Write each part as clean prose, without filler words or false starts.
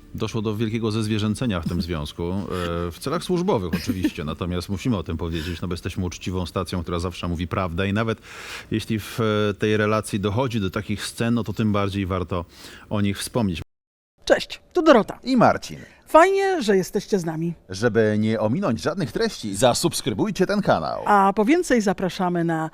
Doszło do wielkiego zezwierzęcenia w tym związku, w celach służbowych oczywiście, natomiast musimy o tym powiedzieć, no bo jesteśmy uczciwą stacją, która zawsze mówi prawdę i nawet jeśli w tej relacji dochodzi do takich scen, no to tym bardziej warto o nich wspomnieć. Cześć, tu Dorota. I Marcin. Fajnie, że jesteście z nami. Żeby nie ominąć żadnych treści, zasubskrybujcie ten kanał. A po więcej zapraszamy na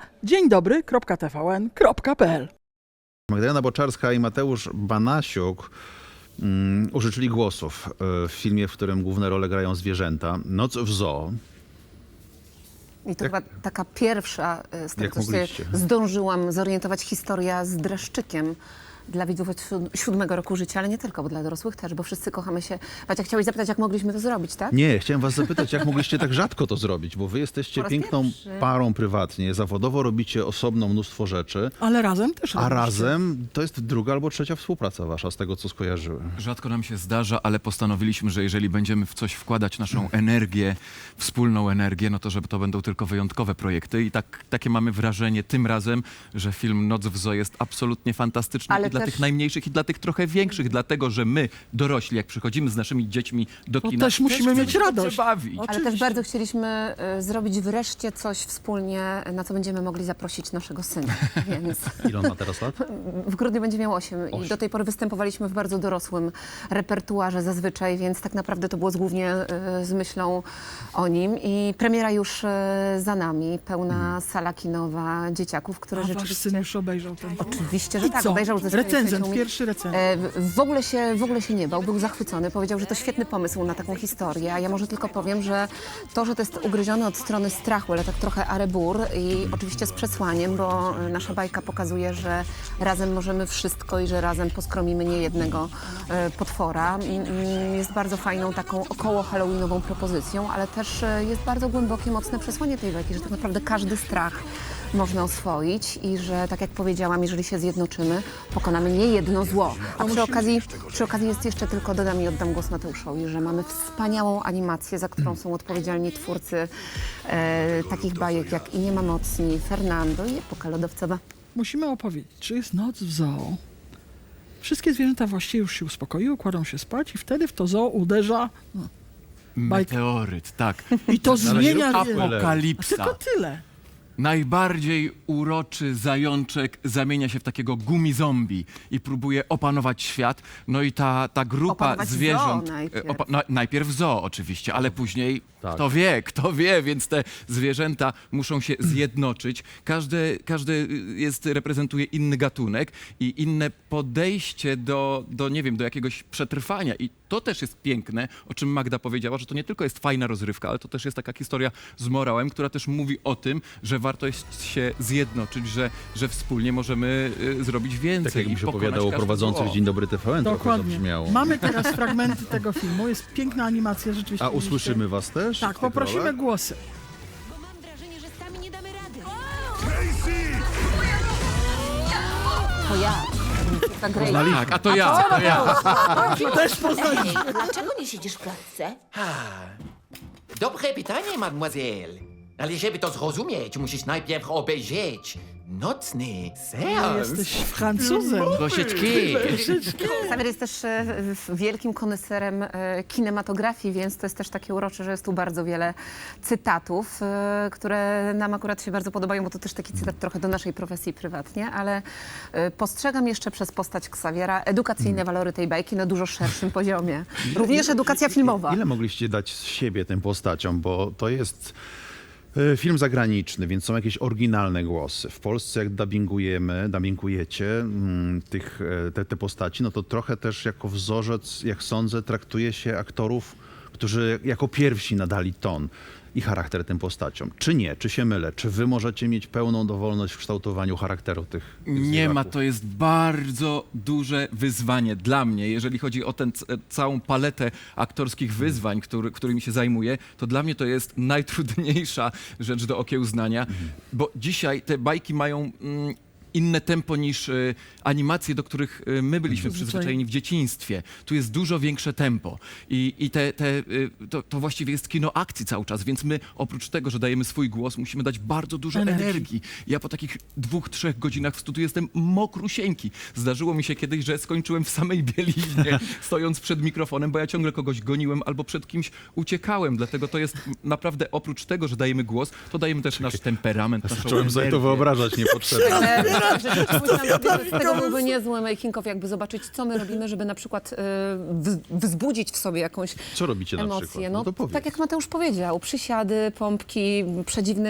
dzieńdobry.tvn.pl. Magdalena Boczarska i Mateusz Banasiuk użyczyli głosów w filmie, w którym główne role grają zwierzęta. Noc w zoo. I to chyba taka pierwsza, z tego Jak co się mogliście? zdążyłam zorientować, historia z dreszczykiem dla widzów od 7 roku życia, ale nie tylko, bo dla dorosłych też, bo wszyscy kochamy się. Macia, chciałeś zapytać, jak mogliśmy to zrobić, tak? Nie, chciałem was zapytać, jak mogliście tak rzadko to zrobić, bo wy jesteście Po raz piękną pierwszy. parą prywatnie, zawodowo robicie osobno mnóstwo rzeczy, Ale razem też a robiliście. razem to jest druga albo trzecia współpraca wasza, z tego co skojarzyłem. Rzadko nam się zdarza, ale postanowiliśmy, że jeżeli będziemy w coś wkładać naszą energię, wspólną energię, no to żeby to będą tylko wyjątkowe projekty. I takie mamy wrażenie tym razem, że film Noc w Zoo jest absolutnie fantastyczny Ale i dla też- tych najmniejszych, i dla tych trochę większych, dlatego że my, dorośli, jak przychodzimy z naszymi dziećmi do To kina, też musimy mieć chcemy radość. się bawić. Ale Oczywiście. też bardzo chcieliśmy zrobić wreszcie coś wspólnie, na co będziemy mogli zaprosić naszego syna. Więc Ile on ma teraz lat? w grudniu będzie miał 8 i do tej pory występowaliśmy w bardzo dorosłym repertuarze zazwyczaj, więc tak naprawdę to było głównie z myślą o nim. I premiera już za nami, pełna sala kinowa dzieciaków, które A wasz rzeczywiście... syn już obejrzał ten film. Oczywiście, że I tak, co? obejrzał ze swoją Recenzent, przyjaciółmi. pierwszy recenzent. W ogóle się nie bał, był zachwycony. Powiedział, że to świetny pomysł na taką historię. A ja może tylko powiem, że to jest ugryzione od strony strachu, ale tak trochę arebur i oczywiście z przesłaniem, bo nasza bajka pokazuje, że razem możemy wszystko i że razem poskromimy niejednego potwora. Jest bardzo fajną taką około halloweenową propozycją, ale też jest bardzo głębokie, mocne przesłanie tej bajki, że tak naprawdę każdy strach można oswoić i że, tak jak powiedziałam, jeżeli się zjednoczymy, pokonamy nie jedno zło. A przy okazji jest jeszcze tylko, dodam i oddam głos Mateuszowi, że mamy wspaniałą animację, za którą są odpowiedzialni twórcy takich bajek jak I nie ma mocni, Fernando i Epoka lodowcowa. Musimy opowiedzieć, czy jest noc w zoo. Wszystkie zwierzęta właściwie już się uspokoiły, kładą się spać i wtedy w to zoo uderza bajka. Meteoryt, tak. I to Ale nie zmienia... róbcie spoilerów. Apokalipsa. Tylko tyle. Najbardziej uroczy zajączek zamienia się w takiego gumi-zombie i próbuje opanować świat. No i ta grupa Opanować zwierząt... zoo najpierw. Najpierw zoo oczywiście, ale później Tak. kto wie, więc te zwierzęta muszą się zjednoczyć. Każde reprezentuje inny gatunek i inne podejście do nie wiem, do jakiegoś przetrwania. I to też jest piękne, o czym Magda powiedziała, że to nie tylko jest fajna rozrywka, ale to też jest taka historia z morałem, która też mówi o tym, że warto jest się zjednoczyć, że wspólnie możemy zrobić więcej. Tak jakby i się pokonać opowiadało każde prowadzących zło. Dzień Dobry TVN, trochę Dokładnie. zabrzmiało. Mamy teraz fragmenty tego filmu. Jest piękna animacja, rzeczywiście. A usłyszymy was też? Tak, w tych poprosimy rolach? głosy. Bo mam wrażenie, że sami nie damy rady. To ja. Ta Grace. Tak, a to ja. Też poznali. Dlaczego nie siedzisz w klatce? Dobre pytanie, mademoiselle. Ale żeby to zrozumieć, musisz najpierw obejrzeć nocny seans. Jesteś Francuzem. Troszeczkę. Xavier jest też wielkim koneserem kinematografii, więc to jest też takie urocze, że jest tu bardzo wiele cytatów, które nam akurat się bardzo podobają, bo to też taki cytat trochę do naszej profesji prywatnie, ale postrzegam jeszcze przez postać Xaviera edukacyjne walory tej bajki na dużo szerszym poziomie. Również edukacja filmowa. Ile mogliście dać z siebie tym postaciom, bo to jest film zagraniczny, więc są jakieś oryginalne głosy. W Polsce jak dubbingujecie te postaci, no to trochę też jako wzorzec, jak sądzę, traktuje się aktorów, którzy jako pierwsi nadali ton i charakter tym postaciom. Czy nie? Czy się mylę? Czy wy możecie mieć pełną dowolność w kształtowaniu charakteru tych Nie ma, zwierzaków? to jest bardzo duże wyzwanie dla mnie. Jeżeli chodzi o tę całą paletę aktorskich wyzwań, którymi się zajmuję, to dla mnie to jest najtrudniejsza rzecz do okiełznania, bo dzisiaj te bajki mają inne tempo niż animacje, do których my byliśmy przyzwyczajeni w dzieciństwie. Tu jest dużo większe tempo i to właściwie jest kino akcji cały czas, więc my oprócz tego, że dajemy swój głos, musimy dać bardzo dużo energii. Ja po takich 2-3 godzinach w studiu jestem mokrusieńki. Zdarzyło mi się kiedyś, że skończyłem w samej bieliźnie, stojąc przed mikrofonem, bo ja ciągle kogoś goniłem albo przed kimś uciekałem. Dlatego to jest naprawdę, oprócz tego, że dajemy głos, to dajemy też nasz temperament, naszą Zacząłem sobie to energię. wyobrażać niepotrzebnie. Z tego byłby niezły making of, jakby zobaczyć, co my robimy, żeby na przykład wzbudzić w sobie jakąś Co robicie na emocje. przykład? No, to powiedz. tak jak Mateusz powiedział, przysiady, pompki, przedziwne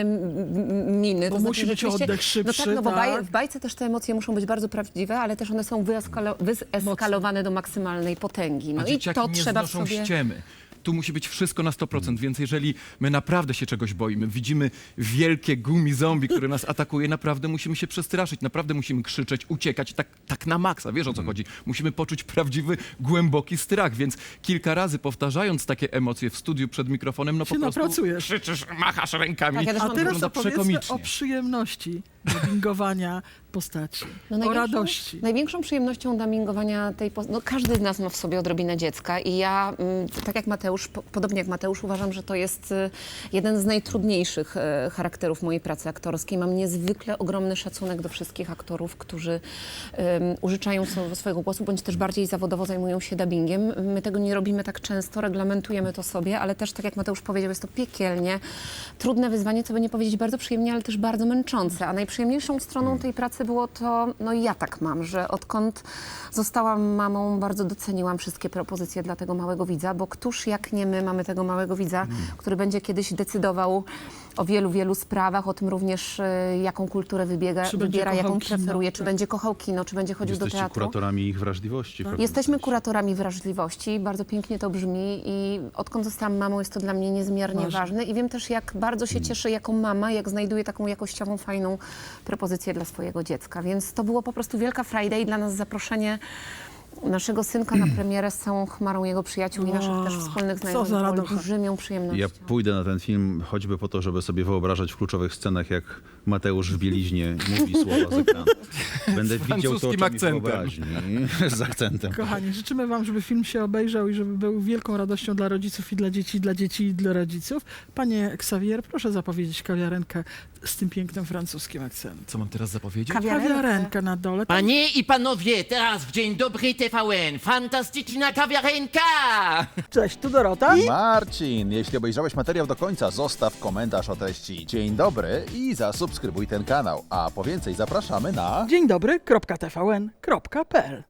miny. Bo To musi być rzeczywiście- oddech szybszy, No tak, no bo tak? w bajce też te emocje muszą być bardzo prawdziwe, ale też one są wyeskalowane do maksymalnej potęgi. No A i dzieciaki to nie trzeba w znoszą sobie... ściemy. Tu musi być wszystko na 100%, więc jeżeli my naprawdę się czegoś boimy, widzimy wielkie gumi zombie, które nas atakuje, naprawdę musimy się przestraszyć, naprawdę musimy krzyczeć, uciekać, tak na maksa, wiesz o co chodzi. Musimy poczuć prawdziwy, głęboki strach, więc kilka razy powtarzając takie emocje w studiu przed mikrofonem, no Się po prostu napracujesz. krzyczysz, machasz rękami. Tak, ja też A mam teraz wygląda opowiedzmy przekomicznie. o przyjemności dubbingowania postaci, o największą- radości. Największą przyjemnością dubbingowania tej no każdy z nas ma w sobie odrobinę dziecka i ja, tak jak Mateusz, podobnie jak Mateusz, uważam, że to jest jeden z najtrudniejszych charakterów mojej pracy aktorskiej. Mam niezwykle ogromny szacunek do wszystkich aktorów, którzy użyczają swojego głosu, bądź też bardziej zawodowo zajmują się dubbingiem. My tego nie robimy tak często, reglamentujemy to sobie, ale też, tak jak Mateusz powiedział, jest to piekielnie trudne wyzwanie, co by nie powiedzieć bardzo przyjemnie, ale też bardzo męczące. A najprzyjemniejszą stroną tej pracy było to, no i ja tak mam, że odkąd zostałam mamą, bardzo doceniłam wszystkie propozycje dla tego małego widza, bo któż jak nie my mamy tego małego widza, który będzie kiedyś decydował o wielu, wielu sprawach, o tym również, jaką kulturę Czy będzie wybiera, jaką kochał kino, preferuje, czy tak. będzie kochał kino, czy będzie chodził do Jesteście teatru. kuratorami ich wrażliwości. w pewnym Jesteśmy sensie. kuratorami wrażliwości, bardzo pięknie to brzmi i odkąd zostałam mamą, jest to dla mnie niezmiernie ważne i wiem też, jak bardzo się cieszę jako mama, jak znajduję taką jakościową, fajną propozycję dla swojego dziecka, więc to było po prostu wielka frajda i dla nas zaproszenie naszego synka na premierę z całą chmarą jego przyjaciół i naszych też wspólnych co znajomych za było radocha. olbrzymią przyjemnością. Ja pójdę na ten film choćby po to, żeby sobie wyobrażać w kluczowych scenach, jak Mateusz w bieliźnie mówi słowa z ekranu. Będę widział to francuskim oczami akcentem. wyobraźni. Z akcentem. Kochani, życzymy wam, żeby film się obejrzał i żeby był wielką radością dla rodziców i dla dzieci i dla rodziców. Panie Xavier, proszę zapowiedzieć kawiarenkę z tym pięknym francuskim akcentem. Co mam teraz zapowiedzieć? Kawiarenka na dole. Panie i panowie, teraz w Dzień Dobry TVN, fantastyczna kawiarenka! Cześć, tu Dorota. Marcin, jeśli obejrzałeś materiał do końca, zostaw komentarz o treści. Dzień dobry i zasubskrybuj ten kanał. A po więcej zapraszamy na... Dzień dobry, .tvn.pl